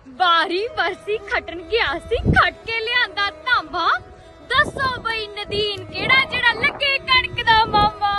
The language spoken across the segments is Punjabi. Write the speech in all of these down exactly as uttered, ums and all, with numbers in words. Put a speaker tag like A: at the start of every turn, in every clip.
A: ਬਾਰੀ ਬਰਸੀ ਖਟਣ ਗਿਆ ਸੀ, ਖਟ ਕੇ ਲਿਆਂਦਾ ਤਾਂਬਾ। ਦੱਸੋ ਬਈ ਨਦੀਨ ਕਿਹੜਾ ਜਿਹੜਾ ਲੱਗੇ ਕਣਕ ਦਾ ਮਾਮਾ।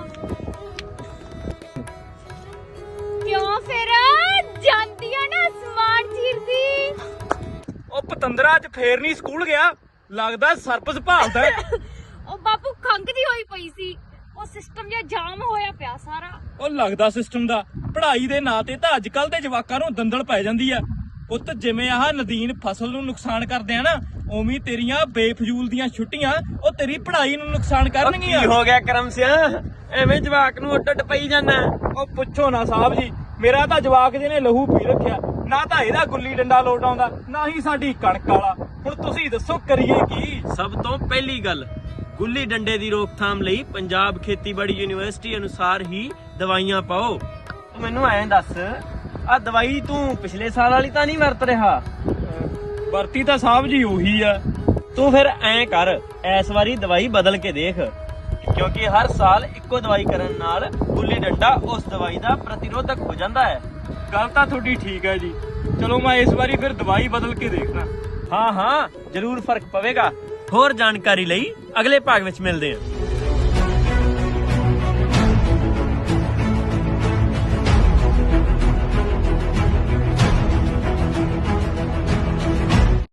A: ਕਿਉਂ ਫਿਰ ਜਾਂਦੀ ਆ ਨਾ ਸਮਾਨ ਚੀਰਦੀ।
B: ਉਹ ਪਤੰਦਰਾ ਅੱਜ ਫੇਰ ਨਹੀਂ ਸਕੂਲ ਗਿਆ, ਲੱਗਦਾ ਸਰਪਸ ਭਾਲਦਾ।
A: ਉਹ ਬਾਪੂ ਖੰਗਦੀ ਹੋਈ ਪਈ ਸੀ, ਉਹ ਸਿਸਟਮ ਜਿਹਾ ਜਾਮ ਹੋਇਆ ਪਿਆ ਸਾਰਾ।
B: ਉਹ ਲੱਗਦਾ ਸਿਸਟਮ ਦਾ ਪੜ੍ਹਾਈ ਦੇ ਨਾਂ ਤੇ ਤਾਂ ਅੱਜ ਕੱਲ ਦੇ ਜਵਾਕਾਂ ਨੂੰ ਦੰਦਲ ਪੈ ਜਾਂਦੀ ਆ। ਪੁੱਤ ਜਿਵੇਂ ਆਹ ਨਦੀਨ ਫਸਲ ਨੂੰ ਨੁਕਸਾਨ ਕਰਦੇ ਆ ਨਾ, ਉਵੇਂ ਤੇਰੀਆਂ ਬੇਫਜ਼ੂਲ ਦੀਆਂ ਛੁੱਟੀਆਂ ਉਹ ਤੇਰੀ ਪੜ੍ਹਾਈ ਨੂੰ ਨੁਕਸਾਨ ਕਰਨਗੀਆਂ।
C: ਕੀ ਹੋ ਗਿਆ ਕਰਮ ਸਿਆ, ਐਵੇਂ ਜਵਾਕ ਨੂੰ ਉੱਡ ਉੱਡ ਪਈ ਜਾਂਦਾ।
B: ਉਹ ਪੁੱਛੋ ਨਾ ਸਾਹਿਬ ਜੀ, ਮੇਰਾ ਤਾਂ ਜਵਾਕ ਜਿਹਨੇ ਲਹੂ ਪੀ ਰੱਖਿਆ। ਨਾ ਤਾਂ ਇਹਦਾ ਗੁੱਲੀ ਡੰਡਾ ਲੋਟ ਆਉਂਦਾ, ਨਾ ਹੀ ਸਾਡੀ ਕਣਕ ਵਾਲਾ। ਹੁਣ ਤੁਸੀਂ ਦੱਸੋ ਕਰੀਏ ਕੀ।
C: ਸਭ ਤੋਂ ਪਹਿਲੀ ਗੱਲ, ਗੁੱਲੀ ਡੰਡੇ ਦੀ ਰੋਕਥਾਮ ਲਈ ਪੰਜਾਬ ਖੇਤੀਬਾੜੀ ਯੂਨੀਵਰਸਿਟੀ ਅਨੁਸਾਰ ਹੀ ਦਵਾਈਆਂ ਪਾਓ। ਮੈਨੂੰ ਐਂ ਦੱਸ, ਆ ਦਵਾਈ ਤੂੰ ਪਿਛਲੇ ਸਾਲ ਵਾਲੀ ਤਾਂ ਨਹੀਂ ਵਰਤ ਰਿਹਾ?
B: ਵਰਤੀ ਤਾਂ ਸਾਹਿਬ ਜੀ ਉਹੀ ਆ।
C: ਤੂੰ ਫਿਰ ਐਂ ਕਰ, ਇਸ ਵਾਰੀ ਦਵਾਈ ਬਦਲ ਕੇ ਦੇਖ, ਕਿਉਂਕਿ ਹਰ ਸਾਲ ਇੱਕੋ ਦਵਾਈ ਕਰਨ ਨਾਲ ਗੁੱਲੀ ਡੰਡਾ ਉਸ ਦਵਾਈ ਦਾ ਪ੍ਰਤੀਰੋਧਕ ਹੋ ਜਾਂਦਾ ਹੈ।
B: ਗੱਲ ਤਾਂ ਤੁਹਾਡੀ ਠੀਕ ਹੈ ਜੀ, ਚਲੋ ਮੈਂ ਇਸ ਵਾਰੀ ਫਿਰ ਦਵਾਈ ਬਦਲ ਕੇ ਦੇਖਣਾ।
C: ਹਾਂ ਹਾਂ, ਜ਼ਰੂਰ ਫਰਕ ਪਵੇਗਾ। ਹੋਰ ਜਾਣਕਾਰੀ ਲਈ ਅਗਲੇ ਭਾਗ ਵਿੱਚ ਮਿਲਦੇ ਹਾਂ।